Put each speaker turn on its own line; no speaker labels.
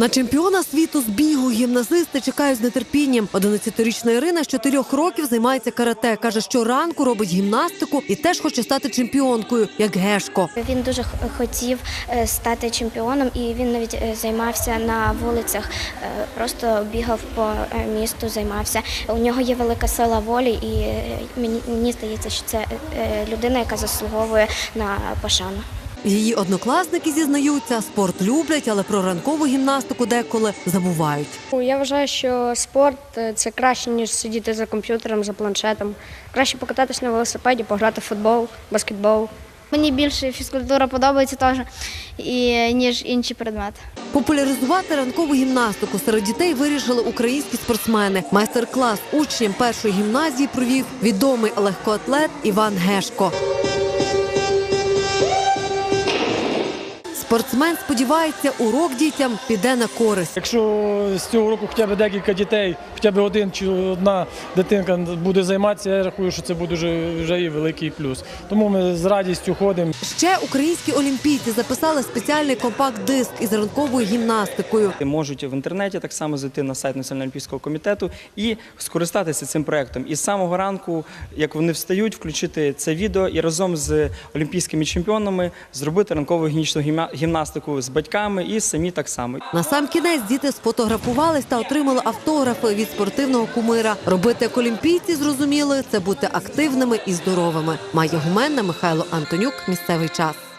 На чемпіона світу з бігу гімназисти чекають з нетерпінням. 11-річна Ірина з 4 років займається карате. Каже, що ранку робить гімнастику і теж хоче стати чемпіонкою, як Гешко.
Він дуже хотів стати чемпіоном, і він навіть займався на вулицях, просто бігав по місту, займався. У нього є велика сила волі, і мені здається, що це людина, яка заслуговує на пошану.
Її однокласники зізнаються, спорт люблять, але про ранкову гімнастику деколи забувають.
Я вважаю, що спорт – це краще, ніж сидіти за комп'ютером, за планшетом. Краще покататись на велосипеді, пограти в футбол, баскетбол.
Мені більше фізкультура подобається теж, ніж інші предмети.
Популяризувати ранкову гімнастику серед дітей вирішили українські спортсмени. Майстер-клас учням першої гімназії провів відомий легкоатлет Іван Гешко. Спортсмен сподівається, урок дітям піде на користь.
Якщо з цього року хоча б декілька дітей, хоча б один чи одна дитинка буде займатися, я рахую, що це буде вже і великий плюс. Тому ми з радістю ходимо.
Ще українські олімпійці записали спеціальний компакт-диск із ранковою гімнастикою.
Можуть в інтернеті так само зайти на сайт Національного олімпійського комітету і скористатися цим проєктом. І з самого ранку, як вони встають, включити це відео і разом з олімпійськими чемпіонами зробити ранкову гігієнічну гімнастику з батьками і самі так само.
Насамкінець діти сфотографувались та отримали автографи від спортивного кумира. Робити як олімпійці, зрозуміли, це бути активними і здоровими. Майя Гуменна, Михайло Антонюк. Місцевий час.